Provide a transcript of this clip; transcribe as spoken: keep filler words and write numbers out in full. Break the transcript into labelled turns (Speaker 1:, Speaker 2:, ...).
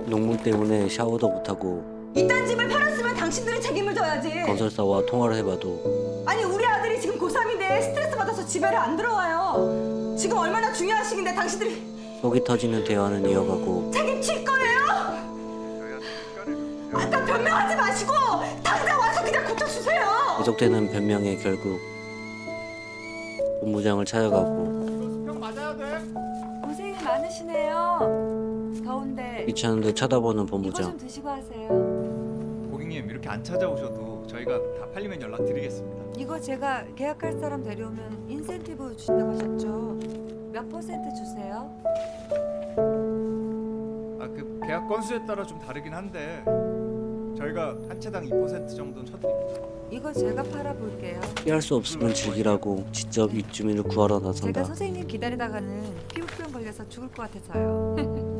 Speaker 1: 농문 때문에 샤워도 못하고
Speaker 2: 이딴 집을 팔았으면 당신들이 책임을 져야지.
Speaker 1: 건설사와 통화를 해봐도
Speaker 2: 아니 우리 아들이 지금 고삼인데 스트레스 받아서 집에를 안 들어와요. 지금 얼마나 중요한 시기인데 당신들이
Speaker 1: 속이 터지는 대화는 이어가고
Speaker 2: 책임질 거예요? 아까 변명하지 마시고 당장 와서 그냥 고쳐주세요.
Speaker 1: 계속되는 변명에 결국 본부장을 찾아가고
Speaker 3: 고생이 많으시네요. 더운데
Speaker 1: 귀찮은 듯 쳐다보는
Speaker 3: 이거 좀
Speaker 1: 본부장.
Speaker 3: 드시고 하세요.
Speaker 4: 고객님 이렇게 안 찾아오셔도 저희가 다 팔리면 연락드리겠습니다.
Speaker 3: 이거 제가 계약할 사람 데려오면 인센티브 주신다고 하셨죠? 몇 퍼센트 주세요?
Speaker 4: 아 그 계약 건수에 따라 좀 다르긴 한데 저희가 한 채당 이 퍼센트 정도는 쳐드립니다.
Speaker 3: 이거 제가 팔아볼게요.
Speaker 1: 피할 수 없으면 즐기라고 직접 입주민을 구하러
Speaker 3: 제가
Speaker 1: 나선다.
Speaker 3: 선생님 기다리다가는 피부병 걸려서 죽을 것 같아서요.